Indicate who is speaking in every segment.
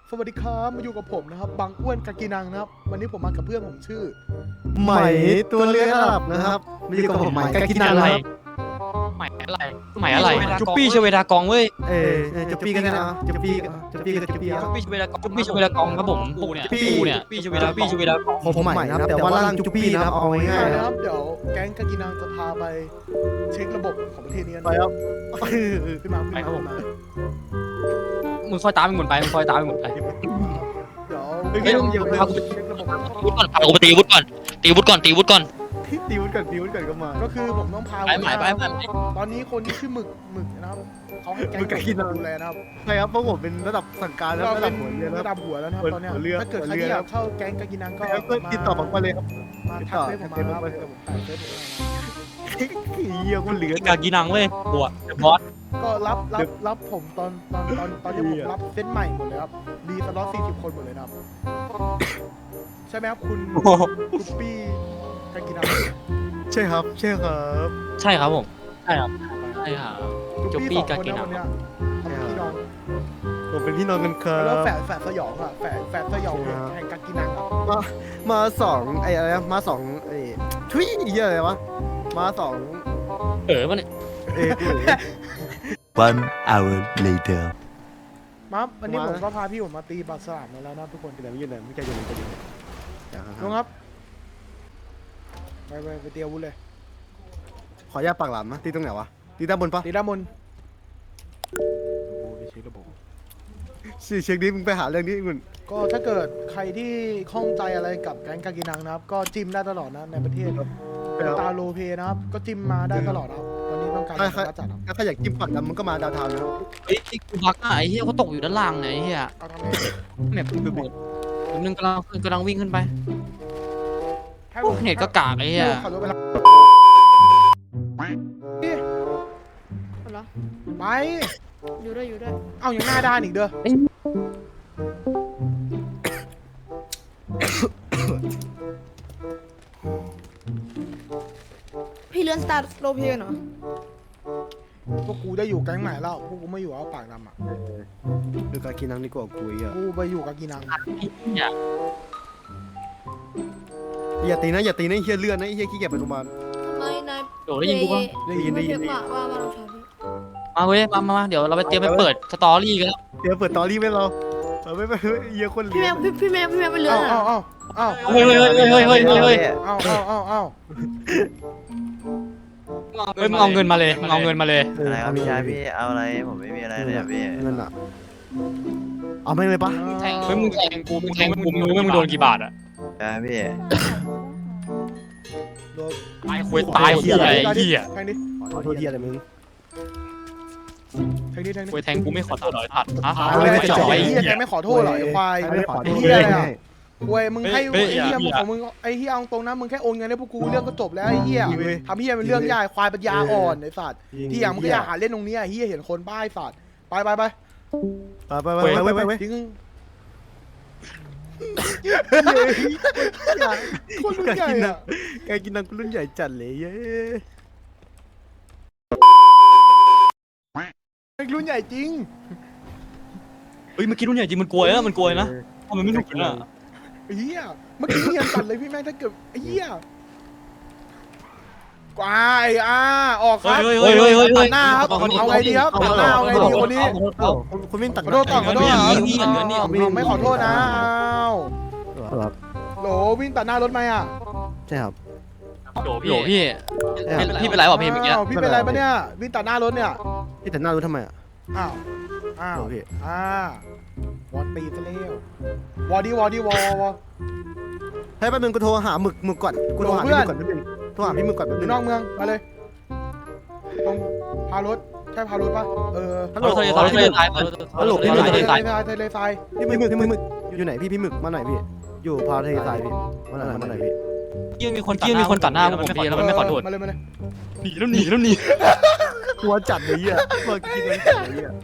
Speaker 1: สวัสดีครับมาอยู่กับผมนะครับบางอ้วนกากีนังนะครับวันนี้ผมมากับเพื่อนผมชื่อ
Speaker 2: ไหมตัวเลือกหลับนะครับมีอยู่กับผมไหมกากินันครับ
Speaker 3: ใหม่อะไรจุปปี้ชเวดากองเว้ย
Speaker 2: จะปีกันนะจะปีกันจะปีกันจะปี
Speaker 3: จุปปี้ชเวดากองครับผมปูเนี่ยปี้ชเวดากอง
Speaker 2: ผมใหม่นะครับแต่ว่าร่างจุปีนะครับเอาง่ายๆ
Speaker 1: นะ
Speaker 2: นะ
Speaker 1: ค
Speaker 2: ค
Speaker 1: รั
Speaker 2: รั
Speaker 1: บบ เดี๋ยวแก๊งกากีนังจะพาไปเช็คระบบของประเทศนี้กัน
Speaker 2: ไปครับ
Speaker 1: ขึ้นมาขึ้นมา
Speaker 3: มึงคอยตามมึงหมุนไปเดี๋ยว
Speaker 1: เฮ้ย
Speaker 3: เฮ้ย
Speaker 1: เดี๋ยว
Speaker 3: พากู
Speaker 1: เช็คระบบ
Speaker 3: วุฒิก่อนพากูไปตีวุฒิก่อนตีวุฒิก่อน
Speaker 2: ตีวุ้นก่อนก็มา
Speaker 1: ก็คือผมต้องพา
Speaker 3: ไป
Speaker 1: ตอนนี้คนที่ชื่อหมึกนะครับเขาให้แก๊งดูแลนะครับ
Speaker 2: ใช่ครับเพราะผมเป็นระดับสั่งการแล้ว
Speaker 1: เรา
Speaker 2: ระดั
Speaker 1: เป็
Speaker 2: บ
Speaker 1: น
Speaker 2: หัวเรือแล้ว
Speaker 1: ระดับหัวแล้วนะครับตอนเนี้ย
Speaker 2: หัวเรือ
Speaker 1: ถ้าเกิดใครที่อยากเข้าแก๊งกากีนังก็
Speaker 2: ก็ติดต่อผมมาเลยครับ
Speaker 1: มาทักเฟซผมมาครับเดี๋ยวผมถ่ายเฟซผมให้นะ
Speaker 2: เยี่ยคนเหลือก
Speaker 3: ากีนังเว้ยบัวบอส
Speaker 1: ก็รับผมตอนที่ผมรับเซตใหม่หมดเลยครับรีสล็อต40 คนหมดเลยนะครับใช่ไหมครับคุณกุปปี้กากีนัง
Speaker 2: ใช่ครับใช่ครับ
Speaker 3: ใช่ครับผมใช่ครับจุปปี้
Speaker 1: สอง
Speaker 3: กา
Speaker 1: คน
Speaker 3: กี
Speaker 1: นะ
Speaker 3: นั
Speaker 1: วั
Speaker 3: ง
Speaker 1: นเนี้ยทำพี่น้อง
Speaker 2: ผมเป็นพี่น้องกันครั
Speaker 1: แล้ว
Speaker 2: บ
Speaker 1: แฝดสยองอ่ะแฝดสยองแห่งกากีนังอ่ะ
Speaker 2: มาสองไอ้อะไรนะมาสองไอ้ทุยเยี่ยอะไรวะมาสอง
Speaker 3: มันเนี่ย
Speaker 4: One hour later.
Speaker 1: มาวันนี้ผมก็พาพี่ผมมาตีปลาสลามมาแล้วนะทุกคน
Speaker 2: เดี๋ยวไม่ยืนเลยไม่ใช่ยืนไม่ใช่ยืน
Speaker 1: ลุงครับไปเตียววุ้นเลย
Speaker 2: ขออนุญาตปากหลามนะตีตรงไหนวะตีด้านบนปะ
Speaker 1: ตีด้านบน
Speaker 2: เช็คดิมึงไปหาเรื่องนี้มึง
Speaker 1: ก็ถ้าเกิดใครที่ข้องใจอะไรกับแก๊งกากีนังนะครับก็จิ้มได้ตลอดนะในประเทศตาโลเพนะครับก็จิ้มมาได้ตลอดครับตอนนี้ต้องการจัดครับ
Speaker 2: ถ้าใครอยากจิ้มปากดำมึงก็มาดาวเทาวน์นะครับ
Speaker 3: ไอ้กูบักไอ้เหี้ยเขาตกอยู่ด้านล่างไงไอ้เหี้ย
Speaker 1: เอาทำไง
Speaker 3: แมปไปหมดนึงกำลังวิ่งขึ้นไป
Speaker 1: ให้ผม
Speaker 3: เน็ตก็กากไอ้เหี้ย
Speaker 1: ขับรถไปรับ
Speaker 5: เหรอ
Speaker 1: ไป
Speaker 5: อยู่ด้วย
Speaker 1: เอาอย่างหน้าด้านอีกเด้อ
Speaker 5: พี่เลื่อนสตาร์ทโรเพนเหรอ
Speaker 1: พวกกูได้อยู่แก๊งใหม่แล้วพวกกูไม่อยู่เอาปากดำอ่ะ
Speaker 2: ดูการกินนังดีกว่ากูอ่ะ
Speaker 1: กูไปอยู่กากีนัง
Speaker 2: อย่าตีนะอย่าตีนะเฮียเลื่อนนะเฮียขี้เกียจไปโรงพยาบาล
Speaker 5: ไม่นาย
Speaker 3: โดได้ยินกูปะ
Speaker 2: ได้ยินได้ยิน
Speaker 5: ว่าเราชอบพี่
Speaker 3: มาเว้ยมาเดี๋ยวเราไปเตรียมไปเปิดสตอรี่กันแล้ว
Speaker 2: เดี๋ยวเปิดตอรี่ไว้เราไม่เฮียคน
Speaker 5: พี่
Speaker 2: เลี้
Speaker 5: แม
Speaker 2: ยง
Speaker 5: วพี่แมวไปเลื่อน
Speaker 1: เอา
Speaker 5: อ่ะ
Speaker 1: เอา
Speaker 3: เฮ้ย
Speaker 1: เอา
Speaker 3: มึงเอาเงินมาเลยมึงเอาเงินมาเลย
Speaker 4: อะไรครับพี่ชายพี่เอาอะไรผมไม่มีอะไรเลยอะพี่
Speaker 2: นั่นอ่ะเอาไม่เลยปะ
Speaker 3: เฮ้ยมึงแทงกูมึงรู้ไหมมึงโดนกี่บาทอะ
Speaker 4: ใช่พี่
Speaker 3: ตายคุยตายเหี้ยไอ้เหี้ย
Speaker 1: แทงดิ
Speaker 2: ขอโทษทีอะไรมึง
Speaker 1: แทงดิ
Speaker 3: คุยแทงกูไม่ขอตัดหน่อยตัดฮะ
Speaker 1: ไม่จ่อยไอ้เหี้ยแกไม่ขอโทษหรอไอ้ควาย
Speaker 2: ไม่ขอโทษ
Speaker 1: เหี้ยอะไรอ่ะเว้ยมึงให้ไอ้เหี้ยมึงของมึงไอ้เหี้ยเอาตรงนะมึงแค่โอนเงินให้พวกกูเรื่องก็จบแล้วไอ้เหี้ยทำเหี้ยเป็นเรื่องยากควายปัญญาอ่อนไอ้สัตว์ที่อย่างมึงก็อย่าหาเล่นตรงนี้ไอ้เหี้ยเห็นคนบ้าไอ้สัตว์ไป
Speaker 2: ไป
Speaker 1: ทิ้ง คน
Speaker 2: การ
Speaker 1: ใหญ่
Speaker 2: กินนั
Speaker 1: อะ
Speaker 2: งการกินนังรุ่นใหญ่จัดเลยเย้
Speaker 1: รุ่นใหญ่จริง
Speaker 3: เฮ้ยเมื่อกี้รุ่นใหญ่จริงมันกลัวนะมันกลัวนะมันไม่หนุกนะ
Speaker 1: ไอ้เหี้ยเมื่อกี้เฮียตัดเลยพี่แม่งถ้าเกิดไอ้เหี้ยกวายออกครับตัดหน้าครับเอาไงดีครับตัดหน้าเอาไงดีคนนี้
Speaker 2: คุณวิ่งตัก
Speaker 1: ขอโทษก่อนขอโทษไม่ขอโทษนะโหลวิ่งตัดหน้ารถไหมอ่ะ
Speaker 2: ใช่ครับ
Speaker 3: โหพี่เป็นไรวะพี่เมื่อกี้
Speaker 1: พี่เป็นไรปะเนี่ยวิ่งตัดหน้ารถเนี่ย
Speaker 2: พี่แต่หน้ารู้ทำไมอ่ะ
Speaker 1: อ้าววอดตีซะแล้ววอดี้วอ
Speaker 2: ให้แป๊บนึงกูโทรหาหมึกก่อนกูโทรหาพี่หมึกก่อนแป๊บนึงโทรหาพี่หมึกก่อนแป๊บ
Speaker 1: อ
Speaker 2: นึ
Speaker 1: ยู่
Speaker 2: ง
Speaker 1: นอกเมืองมาเลยตรงพารถใช่พารถปะ
Speaker 2: ฮัลโหล
Speaker 3: เราทะเลทราย
Speaker 2: ฮัลโหลพี่
Speaker 3: ทะเลทราย
Speaker 1: ทะเลทราย
Speaker 2: พี่หมึกอยู่ไหนพี่หมึกมาไหนพี่อยู่พาทะเลทรายพี่มาไหนพี่
Speaker 3: ยังมีคนตัดหน้าผมพี่แล้วมันไม่ขอโทษ
Speaker 1: มาเลย
Speaker 3: หนีแล้วหนี
Speaker 2: กลัวจัดเลยอ่ะเมื่อกี้มันจัดเลยอ่ะ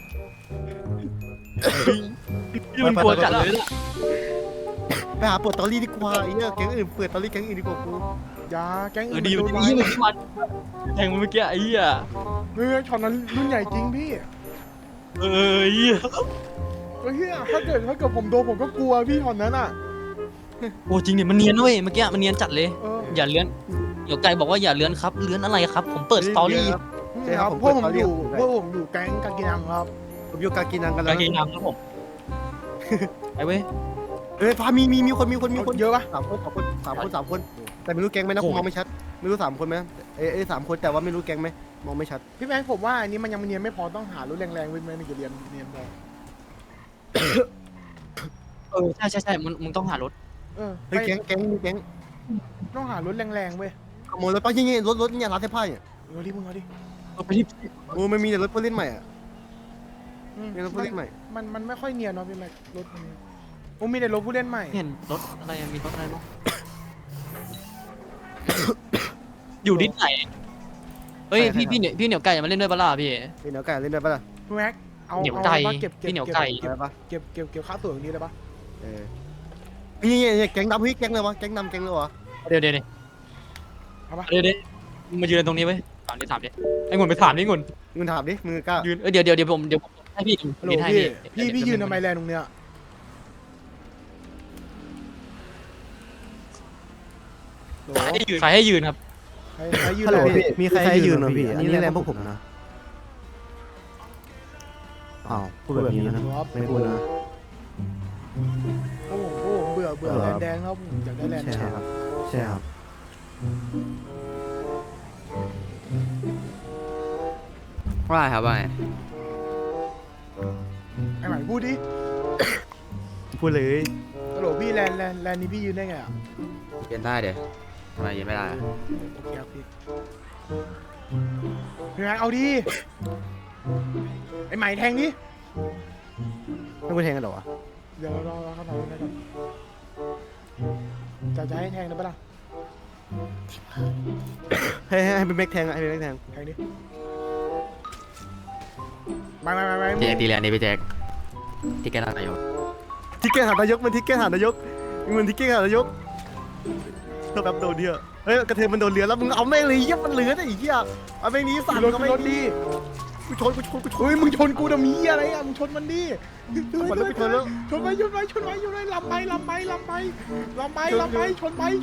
Speaker 3: มันกลัวจัดเลย
Speaker 2: ไปหาเปิดตอรี่ดีกว่าไอ้เหี้ยแก๊งอื่นเปิดตอรี่แก๊งอื่นดีกว่ากู
Speaker 1: ยาแก๊ง
Speaker 3: ดีมันแทงเมื่อกี้ไอ้เหี้ย
Speaker 1: ช็อตนั้นรุ่นใหญ่จริงพี่
Speaker 3: เหี้ย
Speaker 1: จเฮียถ้าเกิดผมโดนผมก็กลัวพี่ตอนนั้นอ่ะ
Speaker 3: โอ้จริงเนี่ยมันเนียนเว้ยเมื่อกี้มันเนียนจัดเลย
Speaker 1: เออ
Speaker 3: อย่าเลื้อนเดี๋ยวไก่บอกว่าอย่าเลื้อนครับเลื้อนอะไรครับ ผมเปิดสตอรี่
Speaker 2: ใช่ครับผม
Speaker 1: พวกผม
Speaker 2: เปิด
Speaker 1: อยู่
Speaker 2: story
Speaker 1: พวกผมอยู่แก๊งกากินังครับ
Speaker 2: ผมอยู่กากินังกันแล้
Speaker 3: กาว งเกงนำครับผมไปเว้ย
Speaker 2: เฮ้ยฟ้ามีคน
Speaker 1: เยอะปะ
Speaker 2: สามคนแต่ไม่รู้แก๊งไหมนะผมมองไม่ชัดไม่รู้3 คนไหมสามคนแต่ว่าไม่รู้แก๊งไหมมองไม่ชัด
Speaker 1: พี่แม็กผมว่าอันนี้มันยังเนียนไม่พอต้องหารถแรงๆไว้ไหมมันจะเนียนพอ
Speaker 3: ใช่มึงต้องหารถ
Speaker 1: เออ
Speaker 2: เฮ้ยแก๊ง
Speaker 1: ต้องหารถแรงๆเว้ย
Speaker 2: ขโมยรถป้ายี่รถเนี่ยร้านเสื้อผ้าเนี่ย
Speaker 1: เอาดิมึงเอาดิ
Speaker 3: ไปที่
Speaker 2: โอ้ไม่มีแต่รถผู้เล่นใหม่อ่ะ
Speaker 1: อืม
Speaker 2: มีรถผู้เล่นใหม่
Speaker 1: มันไม่ค่อยเนียนเนาะพี่แม็กรถมันโอ้มีแต่รถผู้เล่นใหม่
Speaker 3: เห็นรถอะไรมีรถอะไรบ้างอยู่ที่ไหนเฮ้ยพี่เหนียวไก่มาเล่นด้วยปะล่ะพี่
Speaker 2: มีเหนียวไก่เล่นได้ปะล่ะ
Speaker 1: พี่แม็กเอา
Speaker 3: เหนียว
Speaker 1: เอา
Speaker 3: ไก่
Speaker 1: ปะเก็บ
Speaker 3: พี่เหนียวไก่
Speaker 2: ได้ปะ
Speaker 1: เก็บค่าตั๋วตรงนี้เลยปะ
Speaker 2: นี่แก๊งดำเฮ้ยแก๊งเลยวะแก๊งดำแก๊งเลยวะ
Speaker 3: เดี๋ยว
Speaker 1: เอาปะ
Speaker 3: เดี๋ยวมายืนตรงนี้ไว้ถามดิไอ้งุ่นไปถามดิงุ่น
Speaker 2: มึงถามดิมึงกล้า
Speaker 3: ยืนเดี๋ยวผมให้พี่
Speaker 1: ฮัลโหล
Speaker 3: ให้
Speaker 1: พี่ยืนทำไมแลนตรงเนี้ยโหล
Speaker 3: ใครให้ยืนครับ
Speaker 1: ใครยืน
Speaker 2: ฮัลโหล
Speaker 1: เลย
Speaker 2: พี่มีใครให้ยืนเหรอพี่อันนี้แรงพวกผมนะอ้าวพูดแบบนี้นะไม่พูดนะ
Speaker 1: โอ้โหเบื่อแลนแดงแล้วผมอยากได้แลนแดง
Speaker 2: ใช่ครับ
Speaker 6: ว่าครับว่า
Speaker 1: ไอ้หมายพูดดิ
Speaker 2: พูดเลย
Speaker 1: ฮัลโหลพี่แลนนี้พี่ยืนได้ไงอ่ะ
Speaker 6: ยืนได้เดี๋ยวทำไมยืนไม่ได้
Speaker 1: โอเคครับพี่พี่แม็กเอาดิไอ้ใหม่แทงดิ
Speaker 2: ไม่พูดแทงกันหรอวะ
Speaker 1: เดี๋ยวรอเขาทำได้ก่อนจะให้แทงได้ปะล่ะ
Speaker 2: ให้เป็นแม็กแทงให้เป็นแม็กแทง
Speaker 1: แทงดิไม่
Speaker 6: เจ๊ตีเลยอันนี้พี่แจ็คที่แกนั่งอยู่
Speaker 2: ทิกเก็ตหานายกมันทิกเก็ตหานายกมันทิกเก็ตหานายกเธอแบบโดนเดียวเฮ้ยกระเทยมันโดนเรือแล้วมึงเอาแม่งเลยเยี่ยมันเหลือไอ้เหี้ยเอาแม่งนี้สั่น
Speaker 1: รถ
Speaker 2: ก็
Speaker 1: ร
Speaker 2: ไม่
Speaker 1: ถดิ
Speaker 2: กูชน
Speaker 1: เฮ้ยมึงชนกูจะมีอะไรอ่ะมึงชนมันดิ
Speaker 2: มันแล้วไปชนแล้ว
Speaker 1: ชนไปลำไปชนไปลำอีกลำอีก
Speaker 2: กูชน
Speaker 1: ลำอีก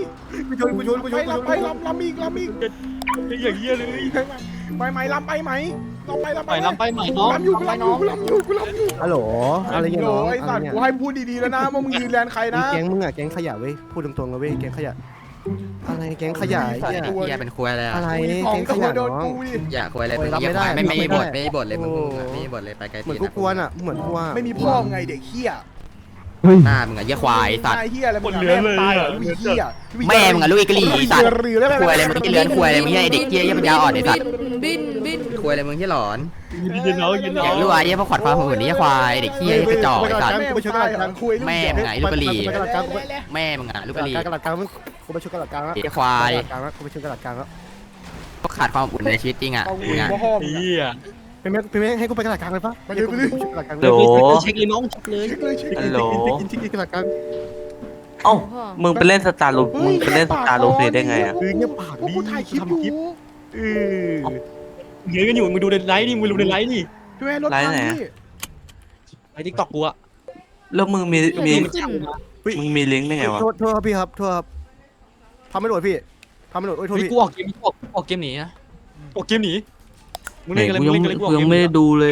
Speaker 3: อย่างเงี้ยเลย
Speaker 1: ไหมลำไปไหมลำไป
Speaker 3: ลำไปใหม่น้อง
Speaker 1: ลำอยู่กูลำอยู่
Speaker 2: ฮัลโหลอะไรเงี้ยน้อง
Speaker 1: ไอ้สัตว์กูให้พูดดีๆแล้วนะว่ามึงยืนแลนใครนะ
Speaker 2: แก๊งมึงอะแก๊งขยะเว้ยพูดตรงๆเลยเว้ยแก๊งขยะอะไรแก๊งขยะไอ้
Speaker 6: ไอ้
Speaker 2: เหี้ย
Speaker 6: เหี้ยเป็นควยเลย
Speaker 2: อะไร
Speaker 1: ของ
Speaker 2: แก๊งข
Speaker 1: ตัวย
Speaker 2: ะ
Speaker 1: โดน
Speaker 2: น้อง
Speaker 1: กูดิ
Speaker 6: อย่าควยเลยมึง
Speaker 2: รับ
Speaker 6: เหี้ย
Speaker 2: ไม่ได้
Speaker 6: ไม่
Speaker 2: ไม่ได้
Speaker 6: บทไม่บทเลยมึง
Speaker 2: โอ้
Speaker 6: ไม่บทเลยไปไกล
Speaker 2: เหมือนกูกวนอะเหมือนกูว่า
Speaker 1: ไม่มีพ่อไงเด็กเหี้ย
Speaker 6: หน้ามึงอะเหี้ยควายสัตว์
Speaker 1: ไอ้เหี้ยอะไรมึงแม่ตายเหรอลูกเหี้ย
Speaker 6: แม่มึงอะลูกไอ้กะหรี่สัตว์
Speaker 1: เรือแล้ว
Speaker 6: ควยอะไรมึงที่เลื้อนควยอะไรมึงเหี้ยไอ้เด็กเหี้ยเหี้ยปัญญาอ่อนไอ้สัตว์
Speaker 5: บิน
Speaker 6: ควยอะไรมึงที่หลอน
Speaker 3: ยืนเอา
Speaker 6: อยากรู้ว่าไอ้เหี้ยพวกขวัญความหุ่นนี่ควายเด็กเหี้ยกระจอกไอ้สัตว์ แม่มึงไงลูกกะหรี่ แม่มึงอะลูกกะหรี่
Speaker 2: กระดาษกลางกูไปชนกระดาษกลางแล้ว
Speaker 6: ไอ้ควาย
Speaker 2: กลางแล้วกูไปชนกระดาษกลางแล้ว
Speaker 6: พวกขาดความอบอุ่นในชีวิตจริงอะมึงอะ
Speaker 3: เฮีย
Speaker 2: เป็นแม่ให้กูไปกระดาษกลางเลยปะกระดาษกลาง
Speaker 7: โหล
Speaker 3: เช็คเลยน้องเช็คเลย
Speaker 7: ฮัลโหล
Speaker 2: กินกระดาษกลาง
Speaker 7: เอ้า มึงไปเล่นสตาร์ลูมึงไปเล่นสตาร์ลูเพลได้ไงอ่ะ
Speaker 2: เงียบปาก
Speaker 1: พวกกูถ่ายคลิปอยู่
Speaker 3: เยอะกันอยู่มึงดูในไลฟ์นี่มึงดูในไลฟ์นี่
Speaker 1: พี่แม่รถพังพี่
Speaker 3: ไอ้ทิกตอกกูอะ
Speaker 7: แล้วมึงมี
Speaker 5: มันขึ้น
Speaker 7: มึงมีลิงก์ได้ไงวะ
Speaker 2: โทษครับพี่ครับโทษครับทำไม่โดดพี่ทำไม่โดดโอ้ยโทษ
Speaker 3: เฮ้ย
Speaker 2: พี่
Speaker 3: กูออกเกมหนีนะออกเกมหนีมึงเล่นอะไรมึงเล่นอะไรกูออก
Speaker 7: ยั
Speaker 3: เก
Speaker 7: ง
Speaker 3: ม
Speaker 7: ไม่ได้ดูเลย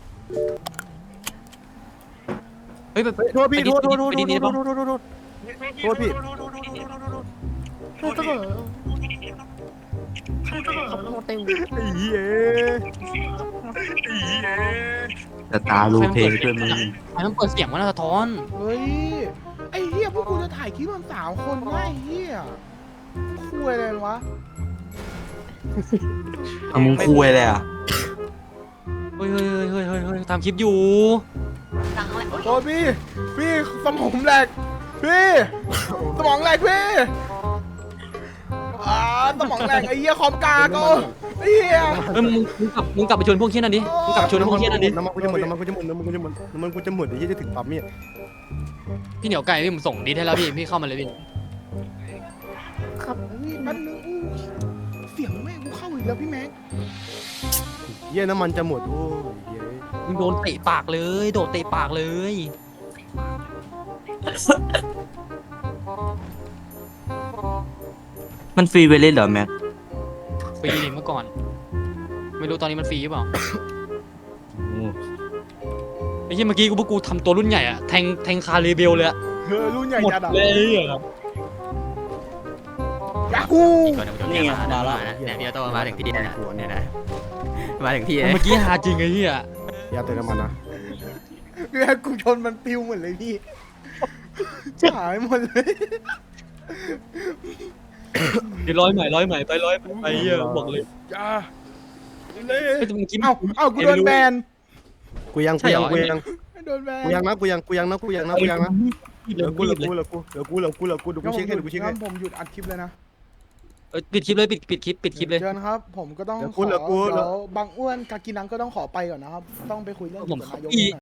Speaker 3: เฮ้ยแบบ
Speaker 2: โทษพี่โทษพี่
Speaker 5: คือต้องขับรถเต็ม
Speaker 2: ไอ้เหี้ย
Speaker 7: สตาร์ลูเพลด้วยมึง
Speaker 3: ไอ้มันเปิดเสียงมันสะท้อน
Speaker 1: เฮ้ยไอ้เหี้ยพวกกูจะถ่ายคลิปมัน3 คนนะไอ้เหี้ยคุยอะไรวะ
Speaker 7: เอามึงคุยเลยอ่ะ
Speaker 3: เฮ้ยทำคลิปอยู่
Speaker 1: โทษพี่สมองแหลกพี่สมองแหลกพี่สมองแหลกไอ้เหี้ยคอมกาก็ไอ้เหี้ย
Speaker 3: เฮ้ยมึงกลับไปชวนพวกเชี่ยนั่นดิมึงกลับไปชวนพวกเชี่ยนั่นดิ
Speaker 2: น้ำมันกูจะหมดไอ้เหี้ยจะถึงปั๊มเนี่ย
Speaker 3: พี่เหนียวไก่พี่ผมส่งดีให้แล้วพี่เข้ามาเลยพี่
Speaker 5: ครับ
Speaker 1: แป๊บนึงเสียงแม่งกูเข้าอีกแล้วพี่แม็ก
Speaker 2: เหี้ยน้ำมันจะหมดโอ้ยเหี้ย
Speaker 3: มึงโดนเตะปากเลย โดดเตะปากเลย
Speaker 7: มันฟรีไปเล่นเหรอแม็ก
Speaker 3: ฟรีดิเมื่อก่อน ไม่รู้ตอนนี้มันฟรีหรือเปล่าไอ้ที่เมื่อกี้พวกกูทำตัวรุ่นใหญ่อะแทงคารีเบลเลยอะ
Speaker 1: รุ่นใหญ่
Speaker 3: หมด
Speaker 1: จัดอ่ะ
Speaker 3: เลยอะ
Speaker 1: ยาฮู
Speaker 6: นี่ไงมาแล้วเนี่ยพี่โตมาถึงที่เนี่ยนะมาถึงที่
Speaker 3: เมื่อกี้หาจริงไอ้เหี้ย
Speaker 2: อย่าเตือนมันนะ
Speaker 1: พี่กูชนมันปิวหมดเลยพี่หายหมดเลย
Speaker 3: เดี๋ยวร้อยใหม่ไปร้อยไปเหี้ยบอกเลย
Speaker 1: จ้า
Speaker 3: เฮ้ยแต่เมื่อกี้
Speaker 1: เอ้ากูโดนแบน
Speaker 2: กูยัง
Speaker 1: โดนแบน
Speaker 2: กูยังนะเดี๋ยวกูดูกูเช็คให้ดูกูเช็คให้
Speaker 1: งั้นผมหยุดอัดคลิปเลยนะ
Speaker 3: ปิดคลิปเลยปิดคลิปเลย
Speaker 1: เชิญครับ ผมก็ต้อง
Speaker 2: เดี๋ยว
Speaker 1: ข
Speaker 2: กู
Speaker 1: อ
Speaker 2: เดี๋ยวกู
Speaker 1: เดี๋ยวบางอ้วนกากินังก็ต้องขอไปก่อนนะครับ ต้องไปคุยเรื่อง
Speaker 3: ผม
Speaker 1: กับนายก
Speaker 3: อี
Speaker 1: หน่อย